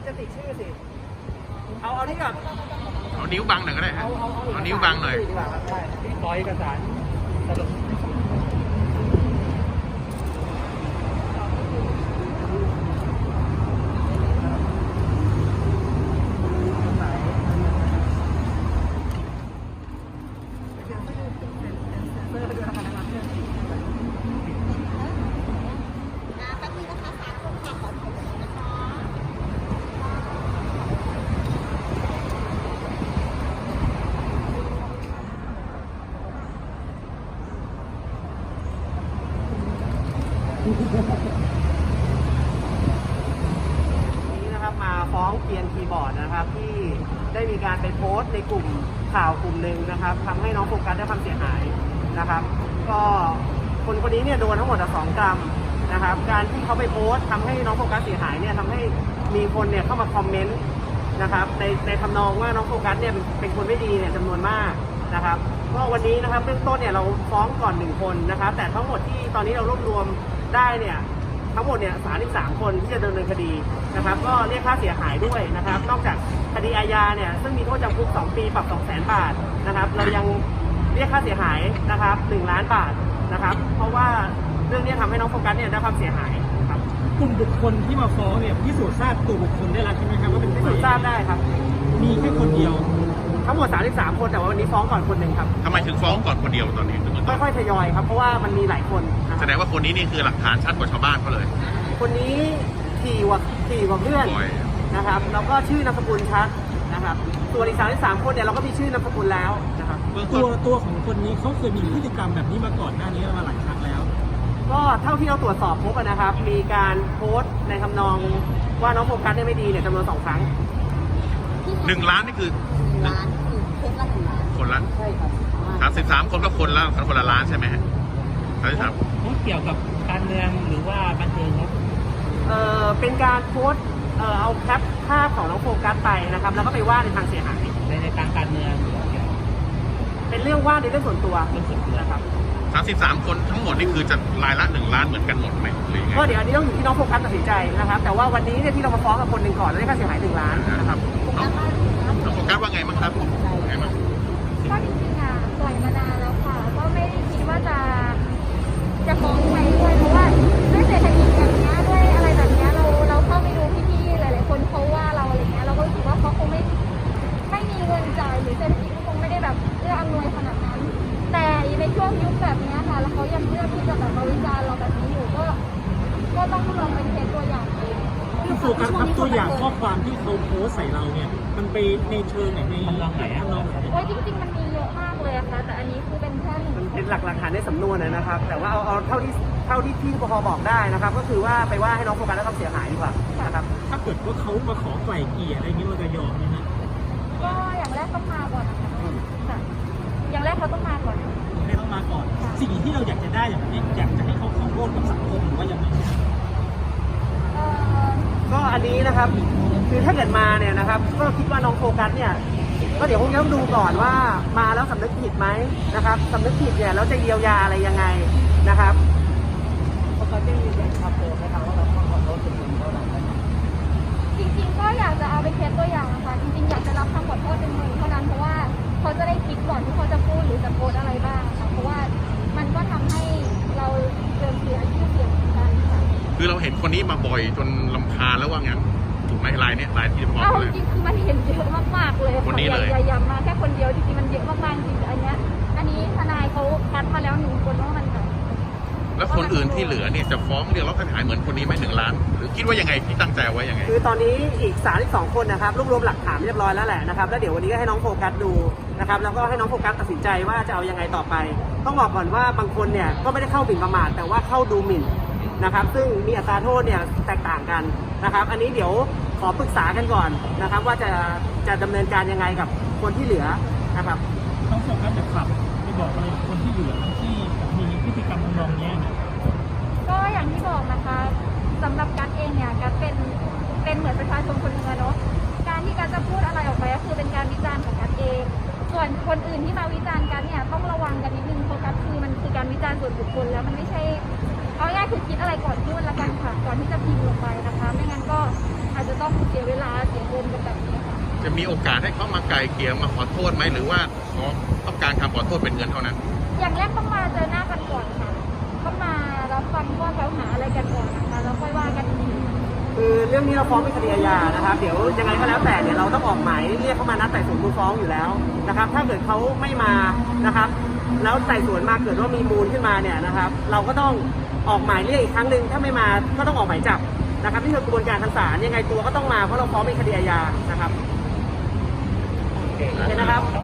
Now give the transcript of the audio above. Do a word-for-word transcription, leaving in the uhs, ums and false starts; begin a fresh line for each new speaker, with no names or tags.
จะติดชื่อสิเอาเอาที่กับ
เอานิ้วบังหน่อยก็ได้ฮะ
เอาเอา
เอานิ้วบังหน่อย
ดีกว่าครับได้ที่ขอเอกสารสรุปนี้นะครับมาฟ้องเกียนคีย์บอร์ดนะครับที่ได้มีการไปโพสต์ในกลุ่มข่าวกลุ่มหนึ่งนะครับทำให้น้องโฟกัสได้ความเสียหายนะครับก็คนคนนี้เนี่ยโดนทั้งหมดสองกรัมนะครับการที่เขาไปโพสต์ทำให้น้องโฟกัสเสียหายเนี่ยทำให้มีคนเนี่ยเข้ามาคอมเมนต์นะครับในในทำนองว่าน้องโฟกัสเนี่ยเป็นคนไม่ดีเนี่ยจำนวนมากนะครับก็วันนี้นะครับเบื้องต้นเนี่ยเราฟ้องก่อนหนึ่งคนนะครับแต่ทั้งหมดที่ตอนนี้เรารวบรวมได้เนี่ยทั้งหมดเนี่ยสามสิบสามคนที่จะดำเนินคดีนะครับก็เรียกค่าเสียหายด้วยนะครับนอกจากคดีอาญาเนี่ยซึ่งมีโทษจำคุกสองปีปรับสองแสนบาทนะครับเรายังเรียกค่าเสียหายนะครับหนึ่งล้านบาทนะครับเพราะว่าเรื่องนี้ทำให้น้องโฟกัสเนี่ยได้ความเสียหายครับ
กลุ่มบุคคลที่มาฟ้องเนี่ยพิสูจน์ทราบตัวบุคคลได้แล้วใช่ไหมครับว่าเป็น
พิสูจน์ทราบได้ครับ
มีแค่คนเดียว
ทั้งหมดสามสิบสามคนแต่ว่าวันนี้ฟ้องก่อนคนหนึ่งครับ
ทำไมถึงฟ้องก่อนคนเดียวตอนนี้
ค่อยๆทยอยครับเพราะว่ามันมีหลายคน
แสดงว่าคนนี้นี่คือหลักฐานชัดกว่าชาวบ้านเขาเลย
คนนี้ถี่กว่าถี่กว่าเพื่อนนะครับแล้วก็ชื่อนามสกุลชัดนะครับส่วนอีกสามสิบสามคนเนี่ยเราก็มีชื่อนามสกุลแล้วนะครับ
ตัวตัวของคนนี้เขาเคยมีพฤติกรรมแบบนี้มาก่อนหน้านี้มาหลายครั้งแล้ว
ก็เท่าที่เราตรวจสอบพบนะครับมีการโพสต์ในทำนองว่าน้องโฟกัสเนี่ยไม่ดีเนี่ยจำนวนสองครั้ง
หนึ่งล้านนี่คือ
ล้านคือคนละหนึ่งล้าน
คนละ
ใช่ครับ
สามสิบสามคนก็คนละคนละล้านใช่ไหมฮะสามสิบสาม
เกี่ยวกับการเมืองหรือว่าบันเทิงครับ
เอ่อเป็นการโพสต์เอ่อเอาแคปภาพของน้องโฟกัสไปนะครับแล้วก็ไปว่าในทางเสียหาย
ในในทางการเมือง
เป็นเรื่องว่าในเรื่องส่วนตัว
เรื่องส่วนตัว
นะครับ
สามสิบสามคนทั้งหมดนี่คือจะรายละหนึ่งล้านเหมือนกันหมดไหมหรือไง
ก็เดี๋ยวอันนี้ต้องอยู่ที่น้องโฟกัสตัดสินใจนะครับแต่ว่าวันนี้เนี่ยที่เรามาฟ้องกับคนหนึ่งก่อนแล้วได้ค่าเสียหายหนึ่งล้านนะครับ
น้องโฟกัสว่าไงบ้างครับไงบ้าง
ก็จริงๆอ่ะปล่อยมานานแล้วค่ะก็ไม่ได้คิดว่าจะจะฟ้องใครด้วยเพราะว่าด้วยเศรษฐกิจแบบนี้ด้วยอะไรแบบนี้เราเราเข้าไปดูพี่ๆหลายๆคนเขาว่าเราอะไรเงี้ยเราก็รู้สึกว่าเขาคงไม่ไม่มีเงินจ่ายหรือเศรษฐกิจคงไม่ได้แบบเอื้ออำนวยขนาดนั้นแต่ในช่วงยุคแบบนี้ค่ะแล้วเขายังเลือกที่จะแบบมาวิจารณ์เราแบบนี้อยู่ก็ก็ต้องลองเป็นเคสตัวอย่างดู
คือโฟกัสครับตัวอย่างข้อความที่เขาโพสใส่เราเนี่ยมันไปในเชิงไหนในทางไหนอะน้อง
โอ้ยจริงๆมันมีเยอะมากเลยอะค่ะแต่อันนี้คือเป็นแค่หนึ่ง
มันเป็นหลักหลักฐานในสำนวนนะครับแต่ว่าเอาเอาเท่าที่เท่าที่ที่ปภบอกได้นะครับก็คือว่าไปว่าให้น้องโฟกัสได้ความเสียหายดีกว่านะครับ
ถ้าเกิดว่าเขามาขอไกล่เกลี่ยอะไรนี้เราจะยอมไหมฮะ
ก็อย่างแรกต้องมาก่อนนะคะอย่างแรกเขาต้องมาก่อน
ให้ต้องมาก่อนสิ่งที่เราอยากจะได้อย่างนี้อยากจะให้เขาขอโทษกับสังคมหรือว่ายังไง
ก็อันนี้นะครับคือถ้าเกิดมาเนี่ยนะครับก็คิดว่าน้องโฟกัสเนี่ยก็เดี๋ยวคงต้องดูก่อนว่ามาแล้วสำนึกผิดไหมนะครับสำนึกผิดเนี่ยแล้วจะเยียวยาอะไรยังไงนะครับโฟกัสจะยืนยันครับตัวไหมครับว่าเราต้องขอโทษจริงๆเท่านั้น
จริงๆก็อยากจะเอาไปเคสตัวอย่างนะคะจริงๆอยากจะรับคำขอโทษเป็นมือเท่านั้นเพราะว่าเขาจะได้คิดก่อนที่เขาจะพูดหรือจะโพสอะไรบ้างค่ะเพราะว่ามันก็ทำให้เราเสื่อมเสียชื่อเสียงกันค่ะ
คือเราเห็นคนนี้มาบ่อยจนรำคาญแล้วว่างั้นถูกไหมลายนี้ลายที่ฟ้อง
เลยจริงๆคือมันเห็นเยอะมากๆเลย
คนนี้เลย
อย่าอย่ามาแค่คนเดียวจริงๆมันเยอะมากๆจริงๆอันนี้อันนี้ทนายเขาคัดมาแล้วหนึ่งคนว่ามันแบบ
แล้วคนอื่นที่เหลือเนี่ยจะฟ้องเรียกร้องค่าเสียหายเหมือนคนนี้ไหมหนึ่งล้านหรือคิดว่ายังไงที่ตั้งใจไว้ยังไง
คือตอนนี้อีกสามสิบสองคนนะครับรวบรวมหลักฐานเรียบร้อยแล้วแหละนะครับแล้วเดี๋ยววันนี้ก็ให้น้องโฟกัสดูนะครับแล้วก็ให้น้องโฟกัสตัดสินใจว่าจะเอายังไงต่อไปต้องบอกก่อนว่าบางคนเนี่ยก็ไม่ได้เข้าหมิ่นประมาทแต่ว่าเข้าดูหมิ่นนะครับซึ่งมีอัตราโทษเนี่ยแตกต่างกันนะครับอันนี้เดี๋ยวขอปรึกษากันก่อนนะครับว่าจะจะดำเนินการยังไงกับคนที่เหลือนะครับ
น้องโฟกัสจะขับไปบอกอะไรคนที่เหลือที่มีพฤติกรรมทำนองนี้
ก็อย่างที่บอกนะคะสำหรับกัสเองเนี่ยกัสเป็นเป็นเหมือนประชาชนคนหนึ่งเนาะการที่กัสจะพูดอะไรออกไปก็คือเป็นการวิจารณ์ของกัสเองส่วนคนอื่นที่มาวิจารณ์กัสเนี่ยต้องระวังกันนิดนึงเพราะกัสคือมันคือการวิจารณ์ส่วนบุคคลแล้วมันไม่ใช่เอาง่ายคือคิดอะไรก่อนพูดละกันค่ะก่อนที่จะพิมพ์ลงไปนะคะไม่งั้นก็อาจจะจะต้องเสียเวลาเสียเงินกันแบบนี้ค่ะ
จะมีโอกาสให้เขามาไกลเกลี่ยมาขอโทษไหมหรือว่าขอต้องการคำขอโทษเป็นเงินเท่านั้น
อย่างแรกต้องมาเจอหน้ากันก่อนค่ะต้องมารับฟังข้อกล่าวหาอะไรกันก่อนนะคะแล้วค่อยว่ากันอีกที
คือเรื่องนี้เราฟ้องเป็นคดีอาญานะครับเดี๋ยวยังไงก็แล้วแต่เนี่ยเราต้องออกหมายเรียกเขามานัดไต่สวนมูลฟ้องอยู่แล้วนะครับถ้าเกิดเขาไม่มานะครับแล้วไต่สวนมาเกิดว่ามีมูลขึ้นมาเนี่ยนะครับเราก็ต้องออกหมายเรียกอีกครั้งหนึ่งถ้าไม่มาก็ต้องออกหมายจับนะครับนี่คือกระบวนการทางศาลยังไงตัวก็ต้องมาเพราะเราฟ้องเป็นคดีอาญานะครับโอเคนะครับ